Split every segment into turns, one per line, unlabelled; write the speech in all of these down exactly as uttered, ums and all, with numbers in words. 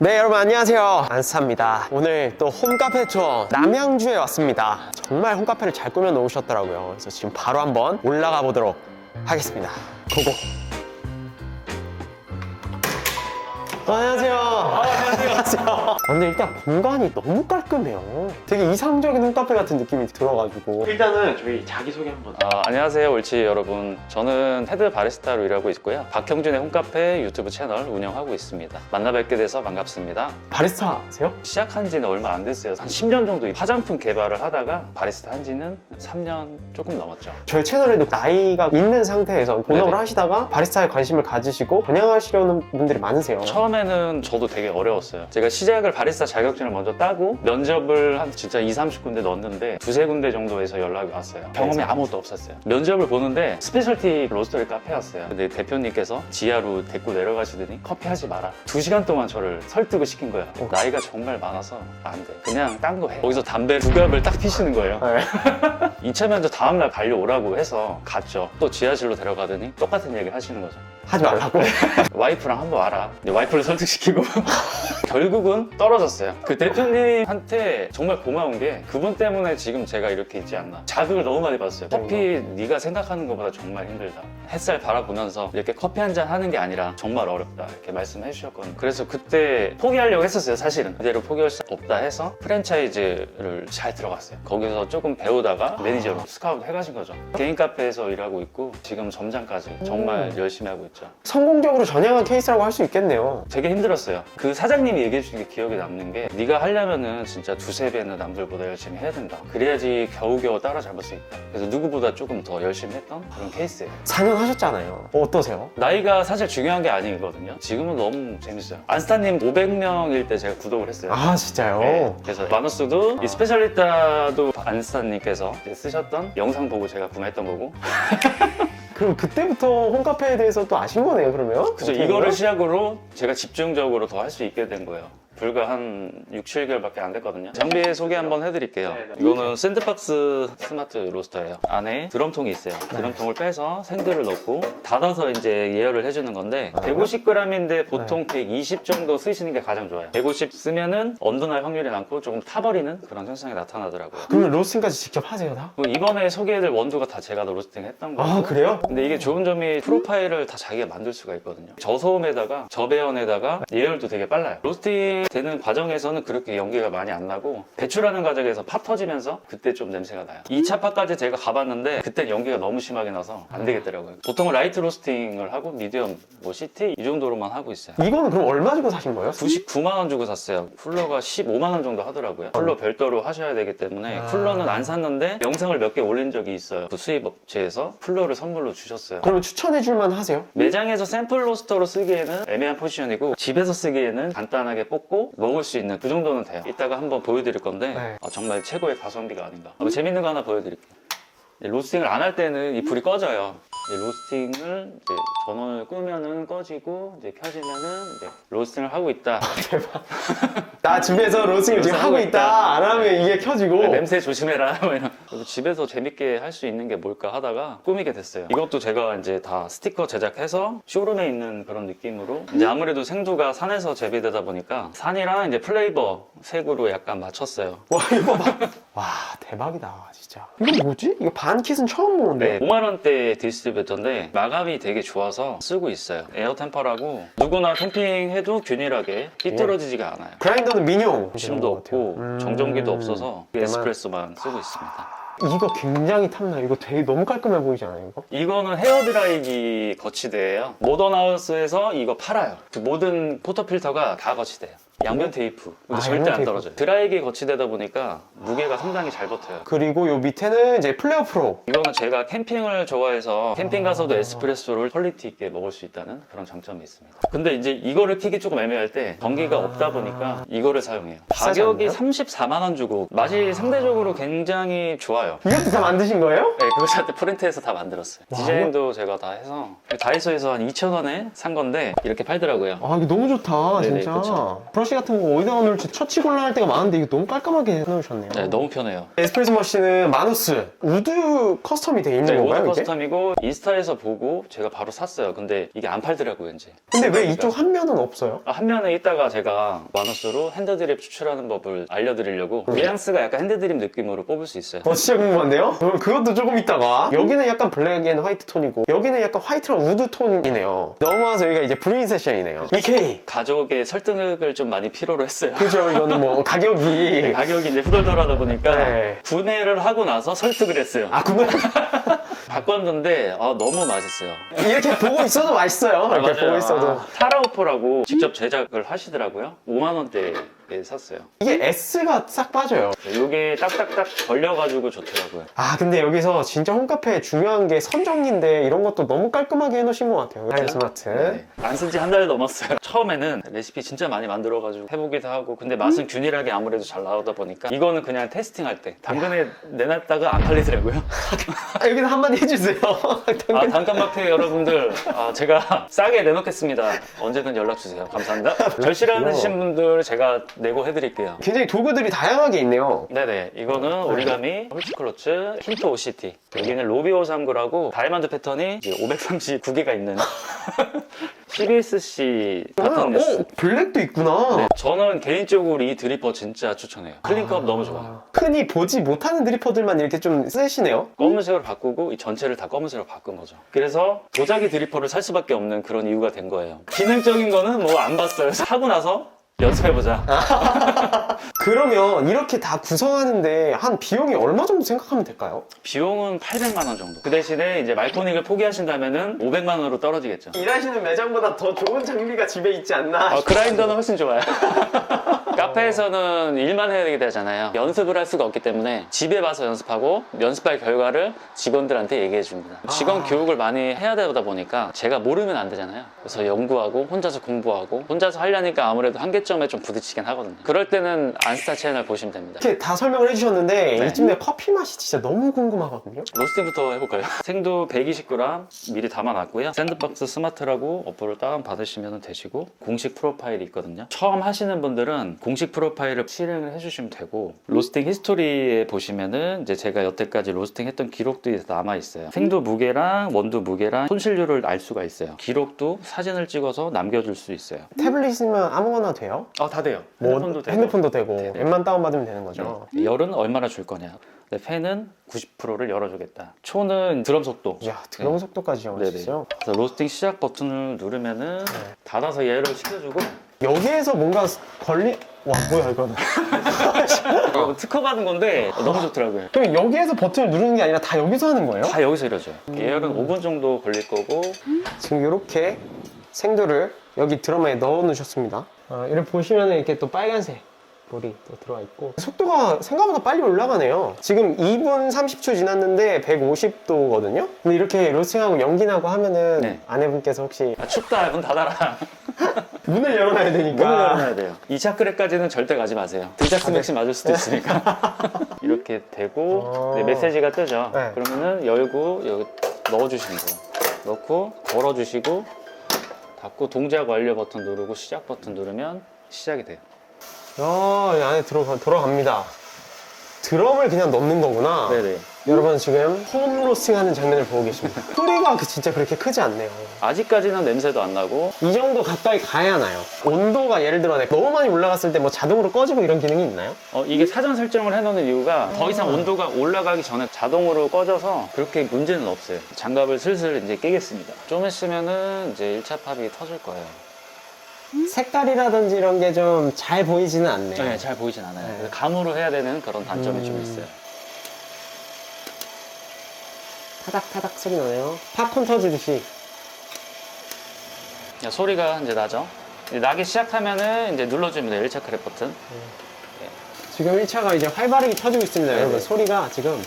네, 여러분 안녕하세요, 안스타입니다. 오늘 또 홈카페 투어 남양주에 왔습니다. 정말 홈카페를 잘 꾸며 놓으셨더라고요. 그래서 지금 바로 한번 올라가 보도록 하겠습니다. 고고. 어, 안녕하세요.
아, 안녕하세요.
아, 근데 일단 공간이 너무 깔끔해요. 되게 이상적인 홈카페 같은 느낌이 들어가지고.
일단은 저희 자기소개 한번.
아, 안녕하세요, 옳지 여러분. 저는 헤드 바리스타로 일하고 있고요. 박형준의 홈카페 유튜브 채널 운영하고 있습니다. 만나 뵙게 돼서 반갑습니다.
바리스타세요?
시작한 지는 얼마 안 됐어요. 한 십 년 정도 화장품 개발을 하다가 바리스타 한 지는 삼 년 조금 넘었죠.
저희 채널에도 나이가 있는 상태에서 본업을
네네.
하시다가 바리스타에 관심을 가지시고 번영하시려는 분들이 많으세요.
처음에는 저도 되게 어려웠어요. 제가 시작을 바리스타 자격증을 먼저 따고 면접을 한 진짜 이삼십 군데 넣었는데 두세 군데 정도에서 연락이 왔어요. 경험이 아무것도 없었어요. 면접을 보는데 스페셜티 로스터리 카페였어요. 근데 대표님께서 지하로 데리고 내려가시더니 커피 하지 마라. 두 시간 동안 저를 설득을 시킨 거예요. 나이가 정말 많아서 안 돼. 그냥 딴 거 해. 거기서 담배 두 갑을 딱 피시는 거예요.
네.
이 차 면접 다음날 달려오라고 해서 갔죠. 또 지하실로 데려가더니 똑같은 얘기를 하시는 거죠.
하지 말라고?
와이프랑 한번 와라. 근데 와이프를 설득시키고 결국은 떨어졌어요. 그 대표님한테 정말 고마운 게 그분 때문에 지금 제가 이렇게 있지 않나. 자극을 너무 많이 받았어요. 커피 네가 생각하는 것보다 정말 힘들다. 햇살 바라보면서 이렇게 커피 한 잔 하는 게 아니라 정말 어렵다 이렇게 말씀해 주셨거든요. 그래서 그때 포기하려고 했었어요. 사실은 그대로 포기할 수 없다 해서 프랜차이즈를 잘 들어갔어요. 거기서 조금 배우다가 매니저로 스카우트 해가신 거죠. 개인 카페에서 일하고 있고 지금 점장까지 정말 열심히 하고 있죠.
성공적으로 전향한 케이스라고 할 수 있겠네요.
되게 힘들었어요. 그 사장님이 얘기해 주신 게 기억에 남는 게 네가 하려면은 진짜 두세 배는 남들보다 열심히 해야 된다. 그래야지 겨우겨우 따라잡을 수 있다. 그래서 누구보다 조금 더 열심히 했던 그런 케이스예요.
사 년 하셨잖아요. 어떠세요?
나이가 사실 중요한 게 아니거든요. 지금은 너무 재밌어요. 안스타님 오백 명일 때 제가 구독을 했어요.
아, 진짜요?
네. 그래서 마누스도 이 스페셜리타도 안스타님께서 이제 쓰셨던 영상 보고 제가 구매했던 거고.
그럼 그때부터 홈카페에 대해서 또 아신 거네요, 그러면?
그래서
어떻게
이거를
보면?
시작으로 제가 집중적으로 더 할 수 있게 된 거예요. 불과 한 육, 칠 개월밖에 안 됐거든요. 장비 소개 한번 해드릴게요.
네네.
이거는 샌드박스 스마트 로스터예요. 안에 드럼통이 있어요. 드럼통을 빼서 생들을 넣고 닫아서 이제 예열을 해주는 건데 백오십 그램인데 보통 백이십 정도 쓰시는 게 가장 좋아요. 백오십 쓰면은 언더날 확률이 많고 조금 타버리는 그런 현상이 나타나더라고요.
그러면 로스팅까지 직접 하세요, 다?
이번에 소개해드릴 원두가 다 제가 다 로스팅 했던 거예요.
아, 그래요?
근데 이게 좋은 점이 프로파일을 다 자기가 만들 수가 있거든요. 저소음에다가 저배연에다가 예열도 되게 빨라요. 로스팅 되는 과정에서는 그렇게 연기가 많이 안 나고 배출하는 과정에서 파 터지면서 그때 좀 냄새가 나요. 이 차 파까지 제가 가봤는데 그때 연기가 너무 심하게 나서 안 되겠더라고요. 보통은 라이트 로스팅을 하고 미디엄, 뭐 시티 이 정도로만 하고 있어요.
이거는 그럼 얼마 주고 사신 거예요?
구십구만 원 주고 샀어요. 쿨러가 십오만 원 정도 하더라고요. 쿨러 별도로 하셔야 되기 때문에
아.
쿨러는 안 샀는데 영상을 몇 개 올린 적이 있어요. 그 수입 업체에서 쿨러를 선물로 주셨어요.
그러면 추천해 줄만 하세요?
매장에서 샘플 로스터로 쓰기에는 애매한 포지션이고 집에서 쓰기에는 간단하게 뽑고 먹을 수 있는 그 정도는 돼요. 이따가 한번 보여드릴 건데
네.
아, 정말 최고의 가성비가 아닌가. 아, 재밌는 거 하나 보여드릴게요. 이 로스팅을 안 할 때는 이 불이 꺼져요. 이 로스팅을 이제 전원을 끄면은 꺼지고 이제 켜지면은 이제 로스팅을 하고 있다.
나 집에서 로스팅을 지금 하고 있다. 안 하면 이게 켜지고.
냄새 조심해라. 뭐 이런. 그리고 집에서 재밌게 할 수 있는 게 뭘까 하다가 꾸미게 됐어요. 이것도 제가 이제 다 스티커 제작해서 쇼룸에 있는 그런 느낌으로 이제 아무래도 생두가 산에서 재배되다 보니까 산이랑 이제 플레이버 색으로 약간 맞췄어요.
와, 이거 봐. 와, 대박이다, 진짜. 이거 뭐지? 이거 반킷은 처음 보는데.
네, 오만 원대 디스트리뷰터인데 마감이 되게 좋아서 쓰고 있어요. 에어 템퍼라고 누구나 캠핑해도 균일하게 삐뚤어지지가 않아요.
그라인더는 민용.
심도 없고
음.
정전기도 없어서
대만.
에스프레소만 쓰고 있습니다.
이거 굉장히 탐나요. 이거 되게 너무 깔끔해 보이지 않아요, 이거?
이거는 헤어드라이기 거치대예요. 모던하우스에서 이거 팔아요. 그 모든 포터필터가 다 거치대예요. 양면 테이프. 근데
아,
절대
양면
안
테이프.
떨어져요. 드라이기 거치대다 보니까 무게가 상당히 잘 버텨요.
그리고 요 밑에는 이제 플레어 프로.
이거는 제가 캠핑을 좋아해서 캠핑 가서도 에스프레소를 퀄리티 있게 먹을 수 있다는 그런 장점이 있습니다. 근데 이제 이거를 켜기 조금 애매할 때 전기가 없다 보니까 이거를 사용해요.
비싸지
가격이
않나요?
삼십사만 원 주고 맛이 상대적으로 굉장히 좋아요.
이것도 다 만드신 거예요?
네, 그거 저한테 프린트해서 다 만들었어요.
와,
디자인도 제가 다 해서 다이소에서 한 이천 원에 산 건데 이렇게 팔더라고요.
아, 이거 너무 좋다,
네네,
진짜.
그쵸.
브러쉬 브러쉬 같은 거 어디다가 놓을지 처치 곤란할 때가 많은데 이거 너무 깔끔하게 해놓으셨네요.
네, 너무 편해요.
에스프레소 머신은 마누스 우드 커스텀이 돼 있는
네,
건가요?
오더
이게?
커스텀이고 인스타에서 보고 제가 바로 샀어요. 근데 이게 안 팔더라고요, 이제.
근데 왜
그러니까.
이쪽 한 면은 없어요?
아, 한 면에 있다가 제가 마누스로 핸드드립 추출하는 법을 알려드리려고 뉘앙스가 약간 핸드드립 느낌으로 뽑을 수 있어요.
어 진짜 궁금한데요? 그럼 그것도 조금 있다가 여기는 약간 블랙 앤 화이트 톤이고 여기는 약간 화이트랑 우드 톤이네요. 넘어와서 여기가 이제 브루인 세션이네요. 이케이!
가족의 설득을 좀 많이 필요로 했어요.
그죠? 이거는 뭐 가격이
가격이 이제 후덜덜하다 보니까
네.
구매를 하고 나서 설득을 했어요.
아 구매
바꿨는데 아, 너무 맛있어요.
이렇게 보고 있어도 맛있어요.
아,
이렇게
맞아요.
보고 있어도
아, 타라오퍼라고 직접 제작을 하시더라고요. 오만 원대에 샀어요.
이게 S가 싹 빠져요.
이게 딱딱딱 걸려가지고 좋더라고요.
아 근데 여기서 진짜 홈카페 중요한 게 선정리인데 이런 것도 너무 깔끔하게 해놓으신 것 같아요. 하이 스마트.
네. 안 쓴 지 한 달 넘었어요. 처음에는 레시피 진짜 많이 만들어가지고 해보기도 하고 근데 맛은 균일하게 아무래도 잘 나오다 보니까 이거는 그냥 테스팅할 때 당근에 내놨다가 안 팔리더라고요.
아, 여기서 한마디 해주세요.
아, 단칸마켓 여러분들 아, 제가 싸게 내놓겠습니다. 언제든 연락주세요. 감사합니다. 절실하신 분들 제가 내고 해드릴게요.
굉장히 도구들이 다양하게 있네요.
네네, 이거는 오리가미, 홀치클러츠, 힌트 오시티. 여기는 로비오삼구라고 다이아몬드 패턴이 이제 오백삼십구 개가 있는 씨비에스씨
아,
패턴이었어요.
오, 블랙도 있구나.
네, 저는 개인적으로 이 드리퍼 진짜 추천해요. 클린컵 너무 좋아요.
흔히 보지 못하는 드리퍼들만 이렇게 좀 쓰시네요.
검은색으로 바꾸고 이 전체를 다 검은색으로 바꾼 거죠. 그래서 도자기 드리퍼를 살 수밖에 없는 그런 이유가 된 거예요. 기능적인 거는 뭐 안 봤어요. 사고 나서 연습해보자.
그러면 이렇게 다 구성하는데 한 비용이 얼마 정도 생각하면 될까요?
비용은 팔백만 원 정도. 그 대신에 이제 말코닉을 포기하신다면은 오백만 원으로 떨어지겠죠.
일하시는 매장보다 더 좋은 장비가 집에 있지 않나?
어, 그라인더는 훨씬 좋아요. 카페에서는 일만 해야 되잖아요. 연습을 할 수가 없기 때문에 집에 와서 연습하고 연습할 결과를 직원들한테 얘기해 줍니다. 직원
아.
교육을 많이 해야 되다 보니까 제가 모르면 안 되잖아요. 그래서 연구하고 혼자서 공부하고 혼자서 하려니까 아무래도 한계점에 좀 부딪히긴 하거든요. 그럴 때는 안스타 채널 보시면 됩니다.
이렇게 다 설명을 해주셨는데
네.
이쯤에 커피 맛이 진짜 너무 궁금하거든요.
로스팅부터 해볼까요? 생두 백이십 그램 미리 담아놨고요. 샌드박스 스마트라고 어플을 다운받으시면 되시고 공식 프로파일이 있거든요. 처음 하시는 분들은 공식 프로파일을 실행을 해주시면 되고 로스팅 히스토리에 보시면은 이제 제가 여태까지 로스팅 했던 기록들이 남아있어요. 생두 무게랑 원두 무게랑 손실률을 알 수가 있어요. 기록도 사진을 찍어서 남겨줄 수 있어요.
태블릿이면 아무거나 돼요?
아, 다 돼요.
뭐,
핸드폰도 되고.
핸드폰도 되고 앱만 다운받으면 되는 거죠.
네. 열은 얼마나 줄 거냐. 근데 팬은 구십 퍼센트를 열어주겠다. 초는 드럼 속도.
이야 드럼 속도까지 정할 수
네네.
있어요?
그래서 로스팅 시작 버튼을 누르면은 닫아서 얘를 시켜주고
여기에서 뭔가 걸리... 와 뭐야 이거는.
이거 특허 받은 건데 너무 좋더라고요.
그럼 여기에서 버튼을 누르는 게 아니라 다 여기서 하는 거예요?
다 여기서 이러죠. 예열은 오 분 정도 걸릴 거고
지금 이렇게 생두를 여기 드럼에 넣어 놓으셨습니다. 어, 이렇게 보시면 이렇게 또 빨간색 물이 또 들어가 있고 속도가 생각보다 빨리 올라가네요. 지금 이 분 삼십 초 지났는데 백오십 도거든요. 근데 이렇게 로스팅하고 연기나고 하면은
네.
아내분께서 혹시
아, 춥다 문 닫아라.
문을 열어놔야 되니까
문을 열어놔야 돼요. 이 차크레까지는 절대 가지 마세요. 등짝스 맥시 맞을 수도 있으니까. 이렇게 되고
어.
네, 메시지가 뜨죠.
네.
그러면은 열고 여기 넣어주시면 돼요. 넣고 걸어주시고 닫고 동작 완료 버튼 누르고 시작 버튼 누르면 시작이 돼요.
야, 이 안에 들어가, 들어갑니다. 드럼을 그냥 넣는 거구나.
네네.
여러분 지금 홈 로스팅 하는 장면을 보고 계십니다. 소리가 그- 진짜 그렇게 크지 않네요.
아직까지는 냄새도 안 나고
이 정도 가까이 가야 나요. 온도가 예를 들어 너무 많이 올라갔을 때 뭐 자동으로 꺼지고 이런 기능이 있나요?
어, 이게 사전 설정을 해놓는 이유가 더 이상 온도가 올라가기 전에 자동으로 꺼져서 그렇게 문제는 없어요. 장갑을 슬슬 이제 끼겠습니다. 좀 있으면은 이제 일 차 팝이 터질 거예요.
색깔이라든지 이런 게 좀 잘 보이지는 않네요.
네, 잘 보이진 않아요.
네.
그래서 감으로 해야 되는 그런 단점이 좀
음.
있어요.
타닥타닥 소리 나네요. 팝콘 터지듯이.
야, 소리가 이제 나죠. 이제 나기 시작하면은 이제 눌러주면 돼요. 일 차 크랩 버튼.
지금 일 차가 이제 활발하게 터지고 있습니다.
네네.
여러분 소리가 지금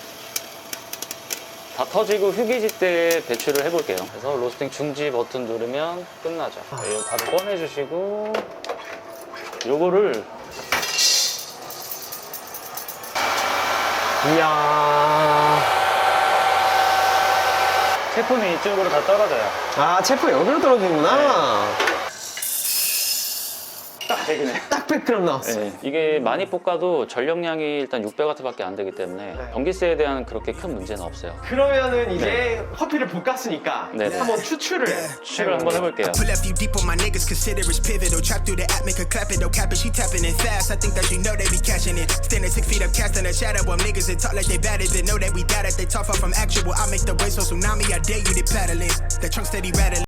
다 터지고 휴게지 때 배출을 해볼게요. 그래서 로스팅 중지 버튼 누르면 끝나죠.
아.
이거 바로 꺼내주시고 요거를
이야.
제품이 이쪽으로 다 떨어져요.
아 체포 여기로 떨어지는구나.
딱 최근에.
딱 백 그램 나왔어요.
네, 이게 많이 볶아도 전력량이 일단 육백 와트밖에 안 되기 때문에
네.
전기세에 대한 그렇게 큰 문제는 없어요.
그러면은 이제 커피를 볶았으니까
네. 네.
한번 추출을
추출을 한번 해볼게요.
Pull up you deep on my niggas, consider it's pivotal. Trap through the app, make a clap it, no cap it, she tapping it fast. I think that you know they be catching it. Standing six feet up, casting a shadow of niggas that talk like they bad it. They know that we got it, they talk far from actual. I make the wave so tsunami, I dare you to paddle it. The trunk steady rattling.